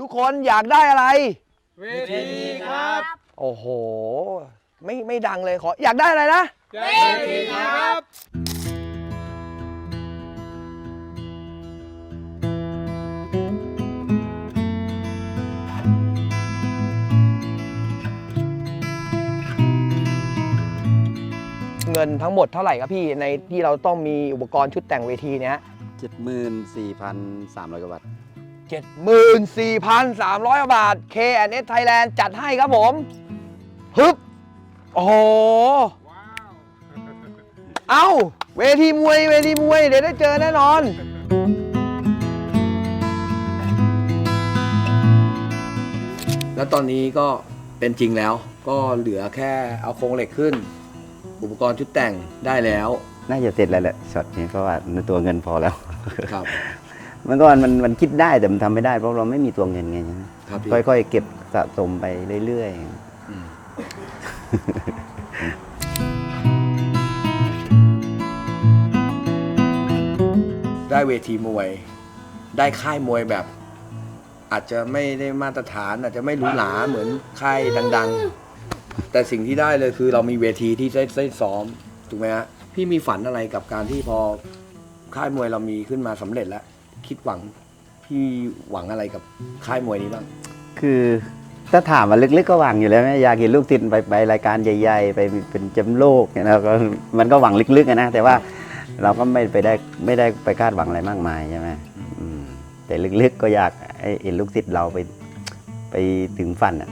ทุกคนอยากได้อะไรเวทีครับโอ้โหไม่ดังเลยขออยากได้อะไรนะเวทีครับเงินทั้งหมดเท่าไหร่ครับพี่ในที่เราต้องมีอุปกรณ์ชุดแต่งเวทีเนี้ย 74,300 กว่าบาท 74,300 บาท K&S Thailand จัดให้ครับผมฮึบโอ้โหเอ้าเวทีมวยเดี๋ยวได้เจอแน่นอน แล้วตอนนี้ก็เป็นจริงแล้วก็เหลือแค่เอาโครงเหล็กขึ้น อุปกรณ์ชุดแต่งได้แล้วน่าจะเสร็จแล้วแหละช็อตนี้เพราะว่าตัวเงินพอแล้วครับมันก็มันคิดได้แต่มันทำไม่ได้เพราะเราไม่มีตัวเงินไงครับพี่ค่อยๆเก็บสะสมไปเรื่อยได้เวทีมวย ได้ค่ายมวยแบบ อาจจะไม่ได้มาตรฐานอาจจะไม่หรูหราเหมือนค่ายดังๆ แต่สิ่งที่ได้เลยคือเรามีเวทีที่ได้ซ้อมถูกไหมฮะพี่มีฝันอะไรกับการที่พอค่ายมวยเรามีขึ้นมาสำเร็จแล้ว คิดหวังพี่หวังอะไรกับค่ายมวยนี้บ้างๆคือถ้าถามว่าลึกๆก็หวังอยู่แล้วอยากเห็นลูกติดไปรายการใหญ่ๆไปเป็นแชมป์โลกเนี่ยนะก็มันก็หวังลึกๆนะแต่ว่าเราก็ไม่ได้ไปคาดหวังอะไรมากมายใช่ไหมแต่ลึกๆก็อยากให้เห็นลูกศิษย์เราไปถึงฝันอ่ะ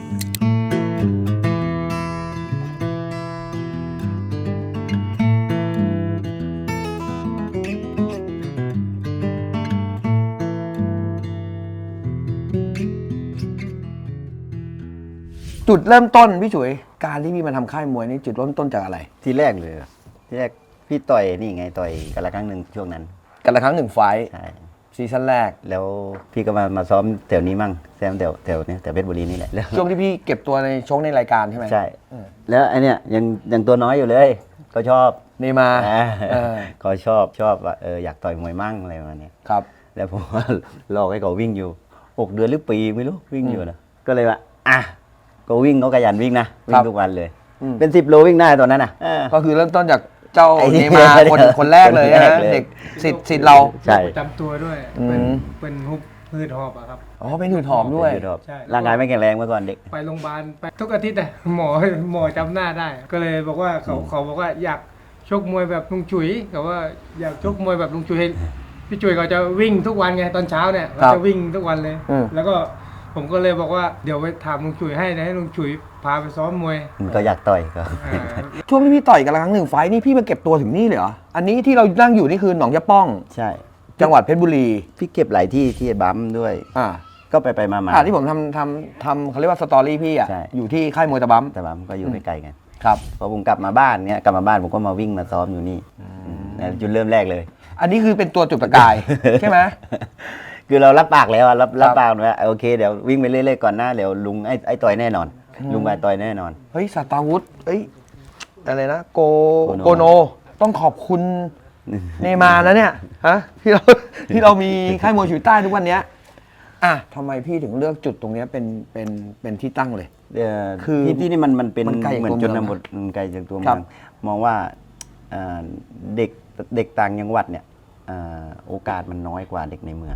จุดเริ่มต้นพี่ฉุยการที่พี่มาทำค่ายมวยนี่จุดเริ่มต้นจากอะไรที่แรกเลยที่แรกพี่ต่อยนี่ไงต่อยกันละครั้งหนึ่งช่วงนั้นกันละครั้งหนึ่งไฟท์ใช่ซีซั่นแรกแล้วพี่ก็มาซ้อมแถวนี้มั่งแซมแถวนี้แถวเพชรบุรีนี่แหละแล้วช่วงที่พี่เก็บตัวในชกในรายการใช่ไหมใช่แล้วไอเนี้ยยังตัวน้อยอยู่เลย ก็ชอบนี่มาเออก็ชอบว่าอยากต่อยมวยมั่งอะไรประมาณเนี้ยครับแล้วผมว่าลอกให้เขาวิ่งอยู่6 เดือนหรือปีไม่รู้วิ่งอยู่นะก็เลยว่าอ่ะก็วิ่งเขาขยันวิ่งนะวิ่งทุกวันเลย เป็น10 โลวิ่งได้ตอนนั้นน่ะก็คือเริ่มต้นจากเจ้าไอ้นี่เนมาคนแรกเลยคนแรกนะเลยเด็กสิทธิ์เราใช่ประจำตัวด้วยอืมเป็นฮุบพืชหอบอะครับอ๋อเป็นหืดหอมด้วยใช่ร่างกายไม่แข็งแรงเมื่อก่อนเด็กไปโรงพยาบาลไปทุกอาทิตย์อะหมอจำหน้าได้ ก็เลยบอกว่าเขาบอกว่าอยากชกมวยแบบลุงจุ๋ยเขาว่าอยากชกมวยแบบลุงจุ๋ยพี่จุ๋ยเขาจะวิ่งทุกวันไงตอนเช้าเนี่ยเขาจะวิ่งทุกวันเลย แล้วก็ผมก็เลยบอกว่าเดี๋ยวไปถามลุงจุ๋ยให้ลุงจุ๋ยพาไปซ้อมมวยมันก็อยากต่อยก็อ่าช่วงที่พี่ต่อยกันละครั้งหนึ่งไฟท์นี่พี่มาเก็บตัวถึงนี่เลยเหรออันนี้ที่เรานั่งอยู่นี่คือหนองยะป้องใช่จังหวัดเพชรบุรีพี่เก็บหลายที่ที่บัมด้วยอ่าก็ไปมาที่ผมทำเขาเรียกว่าสตอรี่พี่อ่ะใช่อยู่ที่ค่ายมวยตะบัมแต่บัมก็อยู่ใกล้ๆกันครับพอผมกลับมาบ้านเนี้ยกลับมาบ้านผมก็มาวิ่งมาซ้อมอยู่นี่จุดเริ่มแรกเลยอันนี้คือเป็นตัวจุดประกาย ใช่ไหมคือเรารับปากแล้วอะรับปากว่าโอเคเดี๋ยววิ่งไปเรื่อยๆก่อนหน้าเดี๋ยวลุงไอ้ต่อยแน่นอน ลุงไปต่อยแน่นอนเฮ้ยสัตาวุธเอ้ยอะไรนะโกโกโนต้องขอบคุณเนมานะเนี่ยฮะที่เรามีค่ายมวยฉุยใต้ทุกวันเนี้ยอ่ะทำไมพี่ถึงเลือกจุดตรงเนี้ยเป็นที่ตั้งเลย คือที่นี่มันเป็นมันไกลจากเหมือนตัวจนเมืองบทมันไกลจากตัวคเมืรัอบ งมองว่าเด็กต่างจังหวัดเนี่ยโอกาสมันน้อยกว่าเด็กในเมือง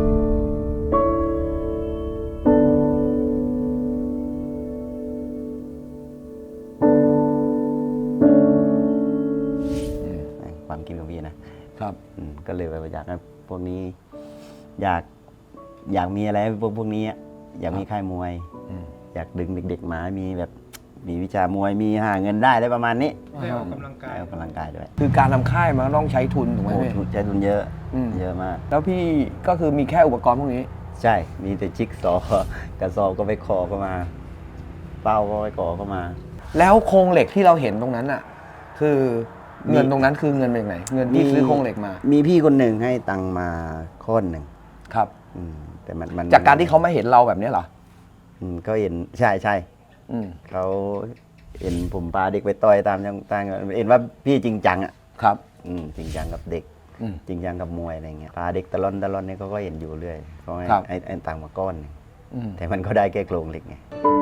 ความคิดของพี่นะครับ ก็เลยไปอยากให้พวกนี้อยากมีอะไรให้พวกนี้อยากมีค่ายมวย อยากดึงเด็กๆมามีแบบมีวิชามวยมีหาเงินได้อะไรประมาณนี้ได้ออกกำลังกายได้ออกกำลังกายด้วยคือการทำค่ายมันก็ต้องใช้ทุนถูกไหมโอ้พี่ใช้ทุนเยอะอืมเยอะมากแล้วพี่ก็คือมีแค่อุปกรณ์พวกนี้ใช่มีแต่จิ๊กซอว์กระสอบก็ไปขอก็มาเป้าก็ไปขอก็มาแล้วโครงเหล็กที่เราเห็นตรงนั้นอ่ะ คือเงินตรงนั้นคือเงินเป็นยังไงเงินที่ซื้อโครงเหล็กมามีพี่คนหนึ่งให้ตังค์มาค้อนหนึ่งครับแต่มันจากการที่เขาไม่เห็นเราแบบนี้เหรอก็เห็นใช่อืมเขาเห็นผมพาเด็กไปต่อยตามเห็นว่าพี่จริงจังอ่ะครับจริงจังกับเด็กอืมจริงจังกับมวยอะไรเงี้ยพาเด็กตะล่อนเนี่ยเขาก็เห็นอยู่เรื่อยเขาให้ครับให้ตังค์มาก้อนหนึ่งแต่มันก็ได้แค่โครงเหล็กไง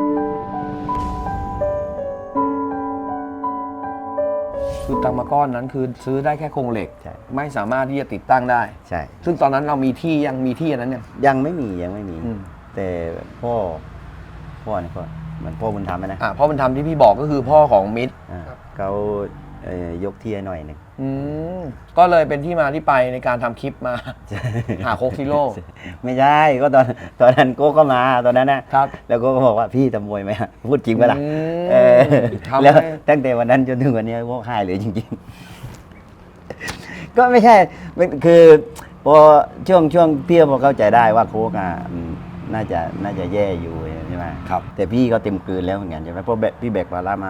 คือตังมาก้อนนั้นคือซื้อได้แค่โครงเหล็กใช่ไม่สามารถที่จะติดตั้งได้ใช่ซึ่งตอนนั้นเรามีที่ยังมีที่อันนั้นเนี่ยยังไม่มีอืมแต่พ่อนี่ก็เหมือนพ่อบุญธรรมนะเพราะมันทำที่พี่บอกก็คือพ่อของมิตรเขายกที่ให้หน่อยหนึ่งก็เลยเป็นที่มาที่ไปในการทำคลิปมา หาโคกซิโร่ไม่ใช่ก็ตอนนั้นโก้ก็มาตอนนั้นนะครับ แล้วโก้ก็บอกว่าพี่ทำมวยไหมพูดจริงปะล่ะทำแล้วให้ตั้งแต่วันนั้นจนถึงวันนี้โก้หายเลยจริงๆ ก็ไม่ใช่คือพอช่วงพี่พอเข้าใจได้ว่าโค้กน่าจะแย่อยู่ใช่ไหมครับแต่พี่ก็เต็มกลืนแล้วเหมือนกันใช่ไหมเพราะพี่แบกภาระมา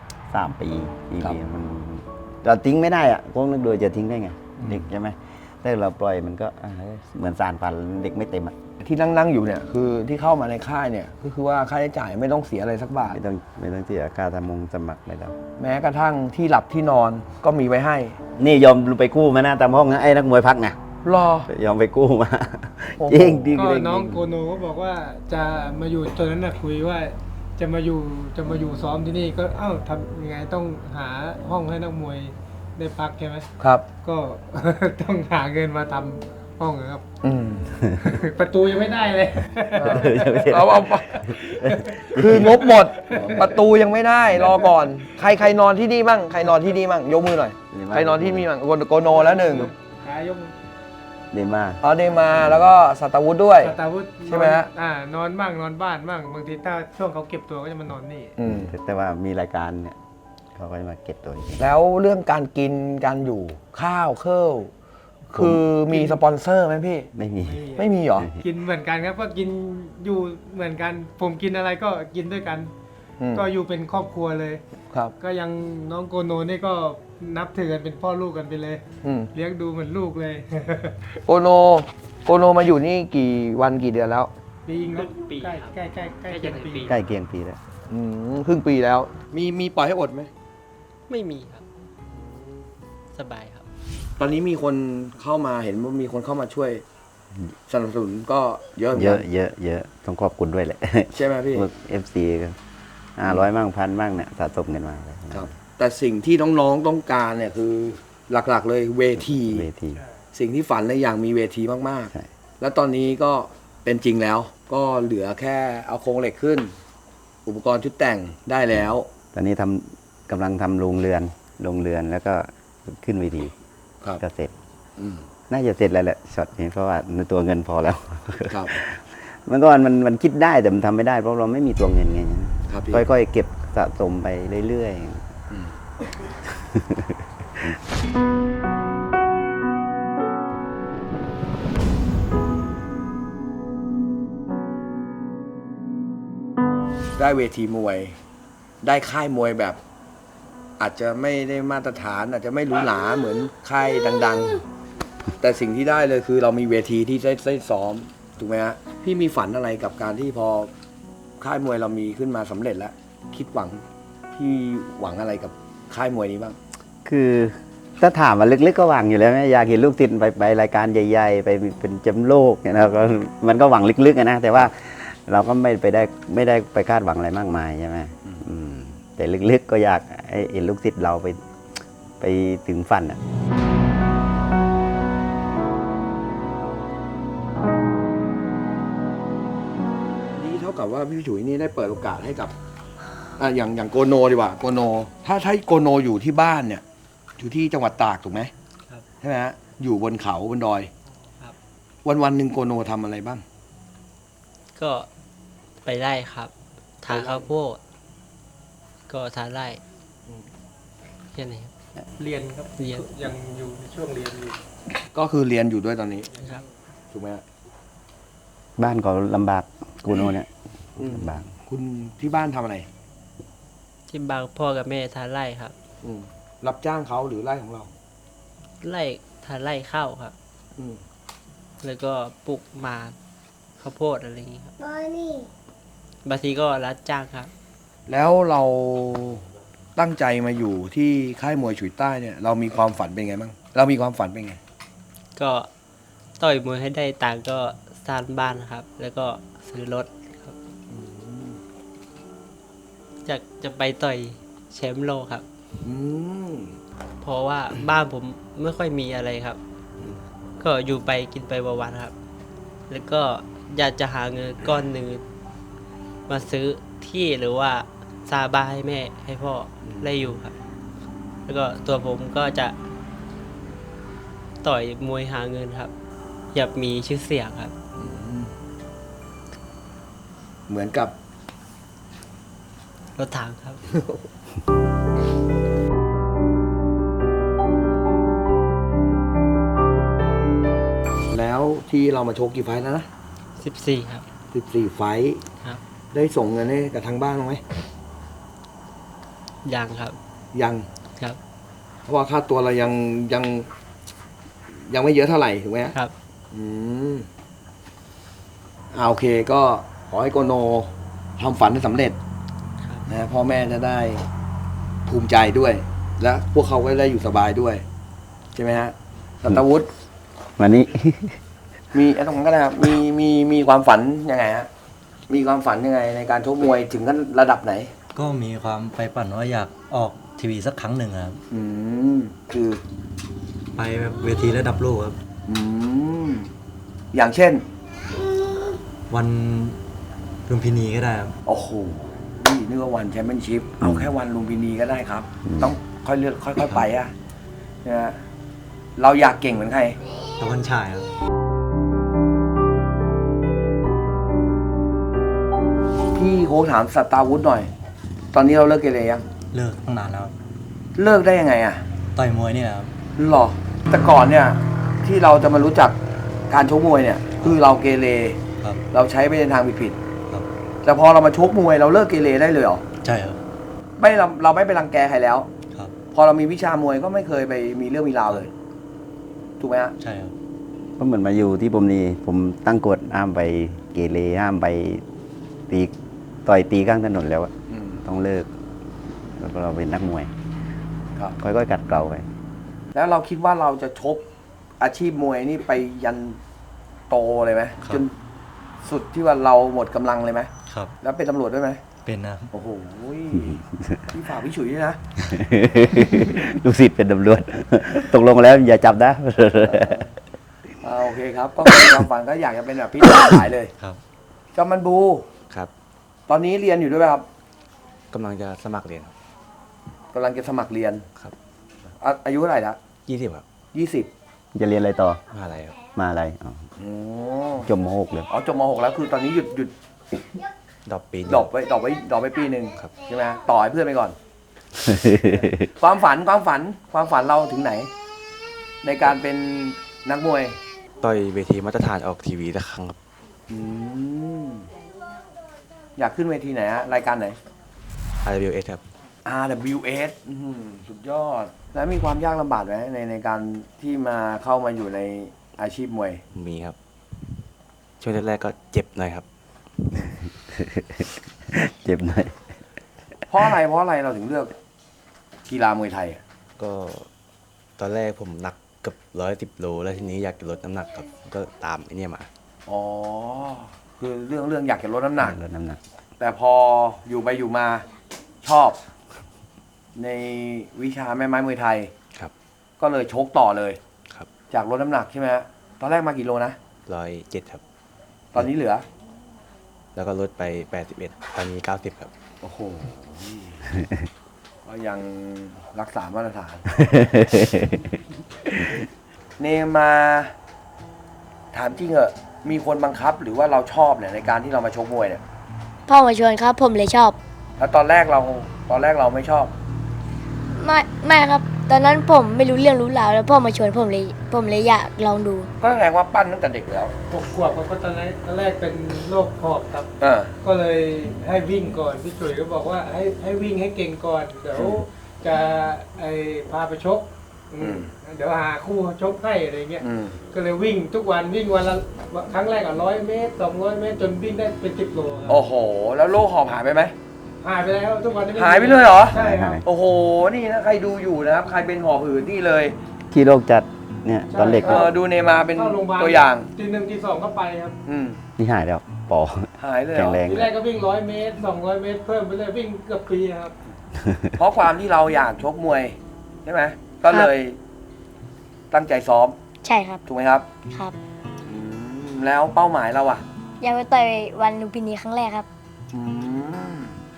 3 ปี4 ปีมันเราทิ้งไม่ได้อะโค้กนึกดูจะทิ้งได้ไงเด็กใช่ไหมถ้าเราปล่อยมันก็เหมือนสารพันเด็กไม่เต็มอ่ะที่นั่งอยู่เนี่ยคือที่เข้ามาในค่ายเนี่ยก็คือว่าค่าใช้จ่ายไม่ต้องเสียอะไรสักบาทไม่ต้องเสียค่าสมัครไม่ต้องแม้กระทั่งที่หลับที่นอนก็มีไว้ให้นี่ยอมไปกู้มานะตามห้องนะไอ้นักมวยพักไงรอยอมไปกู้มาโอ้โหจริงดีก็น้องโกโนก็บอกว่าจะมาอยู่ตอนนั้นคุยว่าจะมาอยู่ซ้อมที่นี่ก็ทำยังไงต้องหาห้องให้นักมวยได้พักใช่ไหมครับก็ ต้องหาเงินมาทำห้องอะครับอืมประตูยังไม่ได้เลยเอาคืองบหมด ประตูยังไม่ได้รอก่อน ใครนอนที่นี่บ้างใครนอนที่นี่บ้างยกมือหน่อยใครนอนที่นี่บ้างโกโนแล้วหนึ่งขายกดีมากเดมาแล้วก็สัตวุฒิด้วยสตาร์วุฒิใช่ไหมฮะนอนบ้างนอนบ้านบ้างบางทีถ้าช่วงเขาเก็บตัวก็จะมานอนนี่อืมแต่ว่ามีรายการเนี่ยเขาก็จะมาเก็บตัวจริงแล้วเรื่องการกินการอยู่ข้าวเครื่องคือมีสปอนเซอร์ไหมพี่ไม่มีไม่มีเหรอกินเหมือนกันครับก็กินอยู่เหมือนกันผมกินอะไรก็กินด้วยกันอืมก็อยู่เป็นครอบครัวเลยครับก็ยังน้องโกโนนี่ก็นับถือกันเป็นพ่อลูกกันไปเลยอืมเลี้ยงดูเหมือนลูกเลยโกโนมาอยู่นี่กี่วันกี่เดือนแล้วปีงครับปีใกล้ครับใกล้ใกล้ใกล้จะถึงปีใกล้เคียงปีแล้วครึ่งปีแล้ว มีปล่อยให้อดไหมไม่มีครับ สบายครับตอนนี้มีคนเข้ามาเห็นว่ามีคนเข้ามาช่วยสนับสนุนก็เยอะหมืนเยกัอะนเยอะต้องขอบคุณด้วยแหละใช่ไหมพี่พวก FC ก็500มั่ง1,000มั่งเนี่ยสะสมกันมาเลยครับ แต่สิ่งที่น้องๆต้องการเนี่ยคือหลักๆเลยเวทีเวทีสิ่งที่ฝันเลยอย่างมีเวทีมากใช่ๆ แล้วตอนนี้ก็เป็นจริงแล้ว ก็เหลือแค่เอาโครงเหล็กขึ้น อุปกรณ์ชุดแต่งได้แล้วตอนนี้กำลังทำโรงเรือนแล้วก็ขึ้นเวทีครับก็เสร็จอืมน่าจะเสร็จแล้วแหละช็อตนี้เพราะว่าในตัวเงินพอแล้วครับเมื่อก่อนมันคิดได้แต่มันทำไม่ได้เพราะเราไม่มีตัวเงินไงครับพี่ค่อยๆเก็บสะสมไปเรื่อยอืมได้เวทีมวย ได้ค่ายมวยแบบ อาจจะไม่ได้มาตรฐาน อาจจะไม่หรูหราเหมือนค่ายดัง ๆ แต่สิ่งที่ได้เลยคือเรามีเวทีที่ได้ซ้อมถูกไหมฮะพี่มีฝันอะไรกับการที่พอค่ายมวยเรามีขึ้นมาสำเร็จแล้ว คิดหวังพี่หวังอะไรกับค่ายมวยนี้บ้างๆ คือถ้าถามมาลึกๆก็หวังอยู่แล้วไหมอยากเห็นลูกติดไปรายการใหญ่ๆ ไปเป็นแชมป์โลกเนี่ยนะก็มันก็หวังลึกๆอะนะแต่ว่าเราก็ไม่ได้ไปคาดหวังอะไรมากมายใช่ไหมอืมแต่ลึกๆก็อยากให้เห็นลูกติดเราไปถึงฝันอ่ะนี่เท่ากับว่าพี่ฉุยนี่ได้เปิดโอกาสให้กับอย่างโกโนดีกว่าโกโนถ้าโกโนอยู่ที่บ้านเนี่ย อยู่ที่จังหวัดตากถูกไหมครับใช่ไหมฮะอยู่บนเขาบนดอยครับวันหนึ่งโกโนทำอะไรบ้างก็ไปไล่ครับ ทานข้าวโพดก็ทานไล่แค่นี้ครับเรียนครับเรียนยังอยู่ในช่วงเรียนอยู่ก็คือเรียนอยู่ด้วยตอนนี้ครับถูกไหมฮะบ้านก็ลำบากกูโนเนี่ยอืมลำบากคุณที่บ้านทำอะไรที่บางพ่อกับแม่ทานไล่ครับอืมรับจ้างเขาหรือไร่ของเราไล่ทานไล่ข้าวครับอืมแล้วก็ปลูกหมากข้าวโพดอะไรอย่างนี้ครับบางทีก็รับจ้างครับแล้วเราตั้งใจมาอยู่ที่ค่ายมวยฉุยใต้เนี่ย เรามีความฝันเป็นไงบ้างเรามีความฝันเป็นไงก็ต่อยมวยให้ได้ตังค์ก็สร้างบ้านครับ แล้วก็ซื้อรถจะไปต่อยแชมป์โลกครับอืมเพราะว่าบ้านผมไม่ค่อยมีอะไรครับ ก็อยู่ไปกินไปวันๆครับ แล้วก็อยากจะหาเงินก้อนหนึ่งมาซื้อที่หรือว่าซาบ้านให้แม่ให้พ่อได้อยู่ครับ แล้วก็ตัวผมก็จะต่อยมวยหาเงินครับ อยากมีชื่อเสียงครับเหมือนกับรถถังครับแล้วที่เรามาโชว์กี่ไฟล์แล้วนะ 14 ครับ 14 ไฟล์ครับได้ส่งเงินให้กับทางบ้านบ้างไหมยังครับยังครับเพราะว่าค่าตัวเรายังไม่เยอะเท่าไหร่ถูกไหมฮะครับอืมโอเคก็ขอให้โกโนทำฝันให้สำเร็จครับนะพ่อแม่จะได้ภูมิใจด้วย และพวกเขาก็ได้อยู่สบายด้วย ใช่ไหมฮะสัตวุฒิวันนี้มีไอ้ตรงนั้นก็ได้ครับมีความฝันยังไงฮะมีความฝันยังไงในการชกมวยถึงกันระดับไหนก็มีความใฝ่ฝันว่าอยากออกทีวีสักครั้งหนึ่งครับอืมคือไปแบบเวทีระดับโลกครับอืมอย่างเช่นวันลุมพินีก็ได้ครับโอ้โหนี่นึกว่าวันแชมเปี้ยนชิพเอาแค่วันลุมพินีก็ได้ครับ ต้องค่อยเลือกค่อยๆไปอะนะฮะเราอยากเก่งเหมือนใครตะวันฉายครับพี่โค้ชถามสตาร์วุฒิหน่อย ตอนนี้เราเลิกเกเรยังเลิกตั้งนานแล้วครับเลิกได้ยังไงอะต่อยมวยเนี่ยครับหรอแต่ก่อนเนี่ย ที่เราจะมารู้จักการชกมวยเนี่ย คือเราเกเรครับเราใช้ไปในทางผิดครับๆแต่พอเรามาชกมวยเราเลิกเกเรได้เลยเหรอใช่ครับไม่เราไม่ไปรังแกใครแล้วครับพอเรามีวิชามวยก็ไม่เคยไปมีเรื่องมีราวเลย ถูกไหมฮะใช่ครับก็เหมือนมาอยู่ที่ผมนี่ผมตั้งกฎห้ามไปเกเรห้ามไปตีต่อยตีข้างถนนแล้วอะอืมต้องเลิก แล้วก็เราเป็นนักมวยครับค่อยๆกัดเกลาไปแล้วเราคิดว่าเราจะชกอาชีพมวยนี่ไปยันโตเลยไหมจนสุดที่ว่าเราหมดกำลังเลยไหมครับแล้วเป็นตำรวจด้วยไหมเป็นนะโอ้โหพี่ฝากพี่ฉุยด้วยนะลูกศิษย์เป็นตำรวจ ตกลงแล้วอย่าจับนะโอเคครับ ก็เป็นความฝันก็อยากจะเป็นแบบพี่หลายเลยครับจอมมันบูครับตอนนี้เรียนอยู่ด้วยไหมครับกำลังจะสมัครเรียนกำลังจะสมัครเรียนครับอายุเท่าไหร่ละ 20ครับ 20 จะเรียนอะไรต่อมหาลัยครับมาอะไรอ๋ออ๋จบม .6 เลยอจบม .6 แล้วคือตอนนี้หยุดดรอปปีหนึ่งดรอปไว้ปีหนึ่งครับใช่ไหมต่อให้เพื่อนไปก่อน ความฝันเราถึงไหน ในการเป็นนักมวยต่อยเวทีมาตรฐานออกทีวีสักครั้งครับอืมอยากขึ้นเวทีไหนฮะรายการไหน RWS ครับ RWS สุดยอด แล้วมีความยากลำบากไหมในการที่มาเข้ามาอยู่ในอาชีพมวยมีครับ ช่วงแรกๆก็เจ็บหน่อยครับเจ็บหน่อยเพราะอะไรเราถึงเลือกกีฬามวยไทยอะก็ตอนแรกผมหนักเกับ110 โล แล้วทีนี้อยากจะลดน้ำหนักครับ ก็ตามไอ้เนี่ยมาอ๋อ คือเรื่องอยากจะลดน้ำหนักลดน้ำหนักแต่พออยู่ไปอยู่มาชอบ ในวิชาแม่ไม้มวยไทยครับก็เลยชกต่อเลยครับจากลดน้ำหนักใช่ไหมฮะตอนแรกมากี่โลนะ 107ครับตอนนี้เหลือแล้วก็ลดไป 81 ตอนนี้ 90 ครับโอ้โห ก็ยังรักษามาตรฐาน เนมาถามจริงเหอะมีคนบังคับหรือว่าเราชอบเนี่ยในการที่เรามาชกมวยเนี่ยพ่อมาชวนครับ ผมเลยชอบแล้วตอนแรกเราไม่ชอบไม่ครับ ตอนนั้นผมไม่รู้เรื่องรู้ราวแล้วพ่อมาชวนผมเลยอยากลองดูก็แสดงว่าปั้นตั้งแต่เด็กแล้ว 6 ขวบเขาก็ตอนแรกเป็นโรคหอบครับอ่าก็เลยให้วิ่งก่อนพี่จุ๋ยก็บอกว่าให้วิ่งให้เก่งก่อน เดี๋ยวจะพาไปชก เดี๋ยวหาคู่ชกให้อะไรเงี้ยอืมก็เลยวิ่งทุกวันวิ่งวันละครั้งแรก100 เมตร 200 เมตร จนวิ่งได้เป็น10 โลครับโอ้โห แล้วโรคหอบหายไปไหมหายไปแล้วทุกวันนี้ม่หายไปเลยเหรอใช่ครับโอ้โห นี่นะใครดูอยู่นะครับ ใครเป็นหอบหืดนี่เลยที่โรคจัดเนี่ยตอนเด็กดูเนมาเป็นเข้าโรงพยาบาลตัวอย่างที 1 ที 2ก็ไปครับอืมนี่หายแล้วปอหายเลยเหรแข็องแรงทีแรกก็วิ่ง100 เมตร 200 เมตร เพิ่มไปเลยวิ่งเกือบปีครับเพราะความที่เราอยากชกมวยใช่ไหมก็เลยตั้งใจซ้อมใช่ครับถูกไหมครับครับอืมแล้วเป้าหมายเราอะอยากไปต่อยวันลุมพินีครั้งแรกครับอืม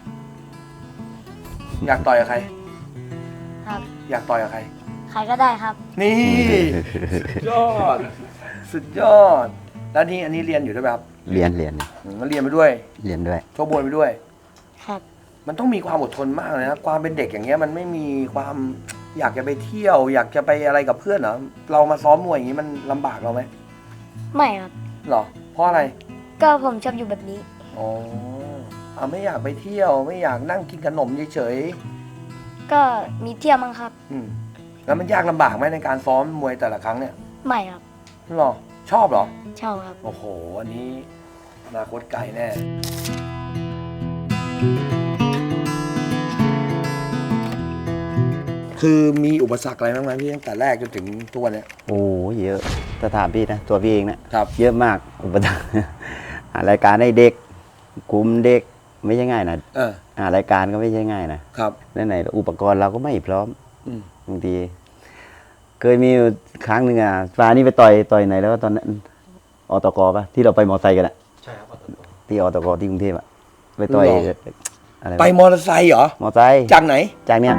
อยากต่อยกับใครครับอยากต่อยกับใครใครก็ได้ครับนี่ สุดยอด สุดยอด แล้วนี่อันนี้เรียนอยู่ด้วยไหมครับเรียนมันเรียนไปด้วยเรียนด้วยชกมวยไปด้วยครับมันต้องมีความอดทนมากเลยนะความเป็นเด็กอย่างเงี้ยมันไม่มีความอยากจะไปเที่ยว อยากจะไปอะไรกับเพื่อนเหรอเรามาซ้อมมวยอย่างงี้มันลำบากเราไหมไม่ครับหรอ เพราะอะไรก็ผมชอบอยู่แบบนี้อ๋อเอาไม่อยากไปเที่ยว ไม่อยากนั่งกินขนมเฉยก็มีเที่ยวมั้งครับๆแล้วมันยากลำบากไหมในการซ้อมมวยแต่ละครั้งเนี่ยไม่ครับหรอ ชอบเหรอชอบครับโอ้โห อันนี้อนาคตไกลแน่ คือมีอุปสรรคอะไรบ้างไหมพี่ตั้งแต่แรกจนถึงทุกวันเนี้ยโอ้เยอะถ้าถามพี่นะตัวพี่เองนะครับ เยอะมากอุปสรรค หารายการให้เด็กกลุ่มเด็กไม่ใช่ง่ายนะเออหารายการก็ไม่ใช่ง่ายนะครับ แล้วไหนอุปกรณ์เราก็ไม่พร้อมอืมบางทีเคยมีอยู่ครั้งหนึ่งฟ้านี่ไปต่อยไหนแล้วตอนนั้นอตกปะที่เราไปมอไซค์กันอะใช่ครับอตกที่อตกที่กรุงเทพอะไปต่อยอะไรไปมอเตอร์ไซค์เหรอมอไซค์จากไหนจากเนี้ย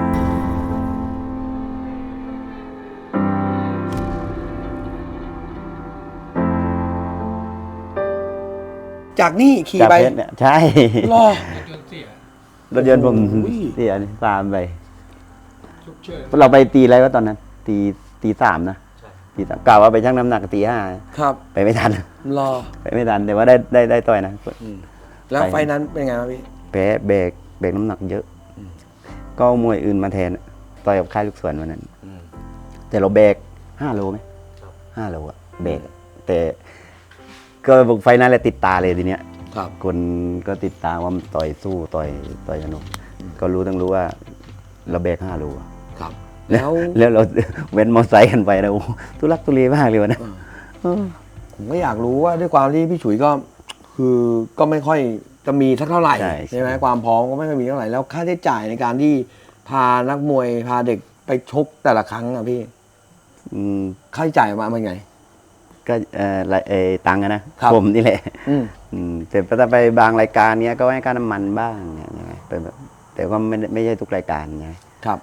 จากนี่ขี่จากไปเพชรเนี่ยใช่รอจนเสียรถยนต์ผมโอ้ยเสียตามไปฉุกเฉินเราไปตีอะไรวะตอนนั้น ตีสามนะตีสามกล่าวว่าไปชั่งน้ำหนักตีห้าครับไปไม่ทันรอไปไม่ทันแต่ว่าได้ต่อยนะแล้วไปไฟนั้นเป็นไงครับพี่แพ้เบรกน้ำหนักเยอะ ก็เอามวยอื่นมาแทนต่อยกับค่ายลูกสวนวันนั้น แต่เราแบก5 โลไหม5 โลอะแบกแต่ก็บอกไฟนั้นแหละติดตาเลยทีเนี้ยครับคนก็ติดตามว่ามันต่อยสู้ต่อยสนุกก็รู้ว่าเราแบก5 โลอะครับ แล้วแล้วเรา เว้นมอไซค์กันไปนะโอ้โหทุลักทุเลมากเลยวันนั้นผมก็อยากรู้ว่าด้วยความที่พี่ฉุยก็คือก็ไม่ค่อยจะมีสักเท่าไหร่ใช่ไหมความพร้อมก็ไม่ค่อยมีเท่าไหร่แล้วค่าใช้จ่ายในการที่พานักมวยพาเด็กไปชกแต่ละครั้งอะพี่อืมค่าใช้จ่ายมาเป็นไงก็ตังค์อะนะครับ ผมนี่แหละอืมแต่ถ้าไปบางรายการเนี้ยก็ให้ค่าน้ำมันบ้างเนี่ยใช่ไหมเป็นแบบแต่ก็ไม่ใช่ทุกรายการไงครับ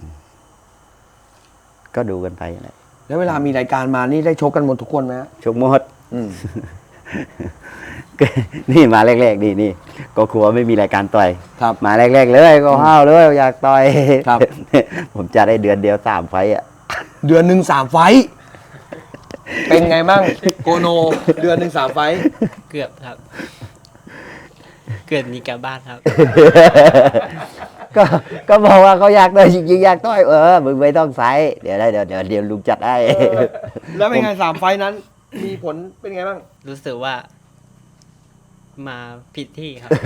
ก็ดูกันไปแหละแล้วเวลามีรายการมานี่ได้ชกกันหมดทุกคนไหมฮะชกหมดอืมนี่มาแรกๆนี่ก็กลัวไม่มีรายการต่อยครับมาแรกๆเลยก็ห้าวเลยอยากต่อยครับผมจะได้เดือนเดียว3 ไฟต์อ่ะเดือนหนึ่ง3 ไฟต์เป็นไงบ้างโกโน เดือนหนึ่ง3 ไฟต์เกือบครับ เกิดมีกลับบ้านครับก็บอกว่าเขาอยากต่อยจริงๆอยากต่อยมึงไม่ต้องใส่เดี๋ยวลุงจัดให้แล้วเป็นไง3 ไฟต์นั้น มีผลเป็นไงบ้างรู้สึกว่า มาผิดที่ครับ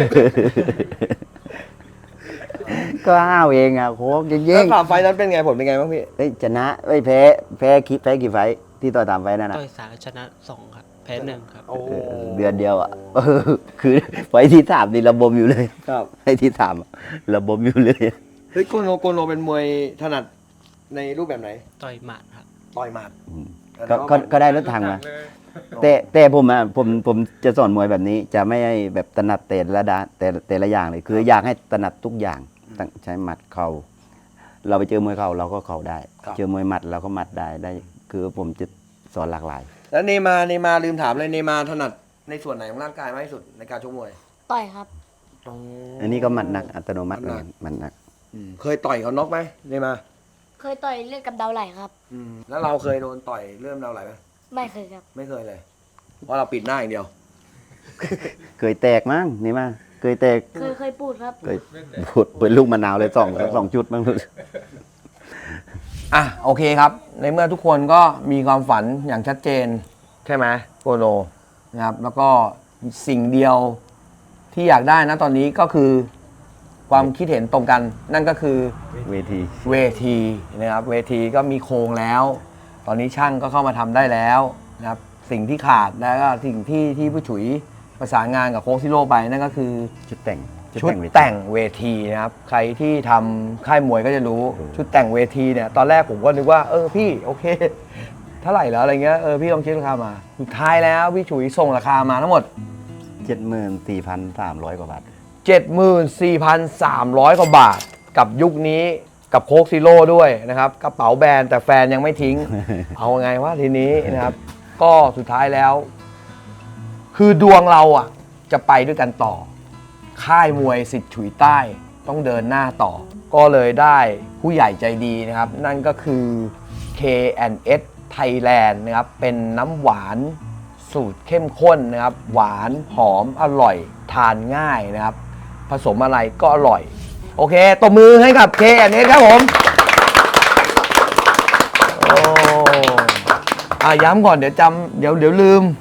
ก็ห้าวเองอ่ะโค้งจริแล้วง 3 ไฟต์นั้นเป็นไงผลเป็นไงบ้างพี่ๆเฮ้ยชนะไม่แพ้กี่ไฟต์ที่ต่อย3 ไฟต์นั่นน่ะต่อยสามชนะ2ครับ แพ้1ครับโอ้เดือนเดียวอ่ะ คือไฟต์ที่3นี่ระบมอยู่เลยครับไฟต์ที่3อะระบมอยู่เลยเฮ้ยโกโนเป็นมวยถนัดในรูปแบบไหนต่อยหมัดครับต่อยหมัดก็ได้รถถังมาแต่ผมจะสอนมวยแบบนี้ จะไม่ให้แบบถนัดแต่ละอย่างเลยคืออยากให้ถนัดทุกอย่างตั้งใช้หมัดเข่าเราไปเจอมวยเข่าเราก็เข่าได้ เจอมวยหมัดเราก็หมัดได้ คือผมจะสอนหลากหลายแล้วเนมาลืมถามเลยเนมาถนัดในส่วนไหนของร่างกายมากที่สุดในการชกมวยต่อยครับอันนี้ก็หมัดหนักอัตโนมัติเลยหมัดหนักเคยต่อยเขาน็อกไหมเนมาเคยต่อยเลือดกับเดาไหลครับแล้วเราเคยโดนต่อยเริ่มเราไหลไหมไม่เคยครับไม่เคยเลย เพราะเราปิดหน้าอย่างเดียวเคยแตกมั้งนี่มาเคยแตกเคยพูดครับเคยพูดเป็นลูกมะนาวเลยสองจุดมั้งอ่ะโอเคครับ ในเมื่อทุกคนก็มีความฝันอย่างชัดเจน ใช่ไหมโกโนนะครับ แล้วก็สิ่งเดียวที่อยากได้นะตอนนี้ก็คือความคิดเห็นตรงกัน นั่นก็คือเวทีเวทีนะครับเวทีก็มีโครงแล้ว ตอนนี้ช่างก็เข้ามาทำได้แล้วนะครับสิ่งที่ขาดแล้วก็สิ่งที่ผู้ฉุยประสานงานกับโค้ชซิโร่ไปนั่นก็คือชุดแต่งชุดแต่งเวทีนะครับใครที่ทำค่ายมวยก็จะรู้ชุดแต่งเวทีเนี่ยตอนแรกผมก็นึกว่าพี่โอเคเท่าไหร่แล้วอะไรเงี้ยพี่ลองคิดราคามาสุดท้ายแล้วพี่ฉุยส่งราคามาทั้งหมด 74,300 กว่าบาท 74,300 กว่าบาทกับยุคนี้กับโค้กซิโร่ด้วยนะครับกระเป๋าแบรนด์แต่แฟนยังไม่ทิ้ง เอาไงวะทีนี้นะครับ ก็สุดท้ายแล้ว คือดวงเราอ่ะจะไปด้วยกันต่อ ค่ายมวยสิทธิ์ฉุยใต้ต้องเดินหน้าต่อ ก็เลยได้ผู้ใหญ่ใจดีนะครับ นั่นก็คือ K&S Thailand นะครับเป็นน้ำหวานสูตรเข้มข้นนะครับ หวานหอมอร่อยทานง่ายนะครับ ผสมอะไรก็อร่อย โอเคตบมือให้กับ K&S ครับผมโอ้ย้ำก่อนเดี๋ยวจำเดี๋ยวลืม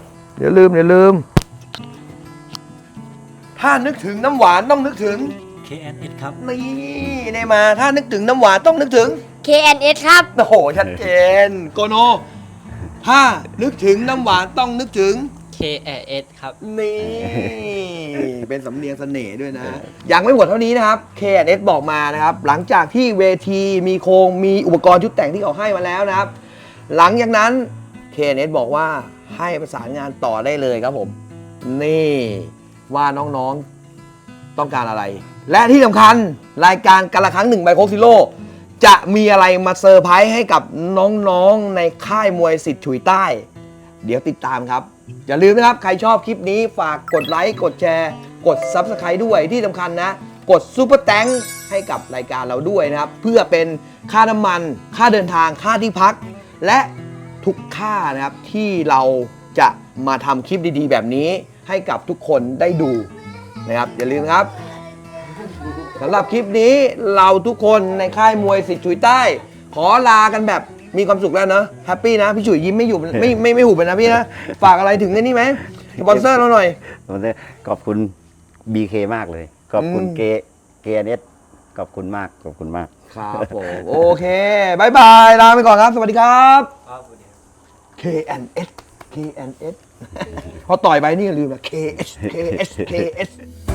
ถ้านึกถึงน้ำหวานต้องนึกถึง KNS ครับนี่ได้มาถ้านึกถึงน้ำหวานต้องนึกถึง KNS ครับโอ้โหชัดเจนโกโนถ้านึกถึงน้ำหวานต้องนึกถึง KAS ครับนี่ เป็นสำเนียงเสน่ห์ด้วยนะ ยังไม่หมดเท่านี้นะครับ K&S บอกมานะครับ หลังจากที่เวทีมีโครงมีอุปกรณ์ชุดแต่งที่เขาให้มาแล้วนะครับ หลังจากนั้น K&S บอกว่าให้ประสานงานต่อได้เลยครับผม นี่ว่าน้องๆต้องการอะไร และที่สำคัญรายการกันละครั้งหนึ่งไบโคซิโลจะมีอะไรมาเซอร์ไพรส์ให้กับน้องๆในค่ายมวยสิทธิ์ฉุยใต้ เดี๋ยวติดตามครับ อย่าลืมนะครับ ใครชอบคลิปนี้ฝากกดไลค์กดแชร์กด Subscribe ด้วยที่สำคัญนะ กดซูเปอร์แตงให้กับรายการเราด้วยนะครับ เพื่อเป็นค่าน้ำมันค่าเดินทางค่าที่พัก และทุกค่านะครับที่เราจะมาทำคลิปดีๆ แบบนี้ให้กับทุกคนได้ดูนะครับ อย่าลืมครับสำหรับคลิปนี้เราทุกคนในค่ายมวยสิทธิ์ฉุยใต้ ขอลากันแบบมีความสุขแล้วเนอะแฮปปี้นะพี่ฉุยยิ้มไม่อยู่ไม่หุบเลยนะพี่นะฝากอะไรถึงนี่ไหมสปอนเซอร์เราหน่อยขอบคุณ BK มากเลย ขอบคุณ KNS ขอบคุณมาก ขอบคุณมากครับผมโอเคบายบาย ลาไปก่อนครับ สวัสดีครับ KNS พอต่อยไปนี่อย่าลืมนะ KS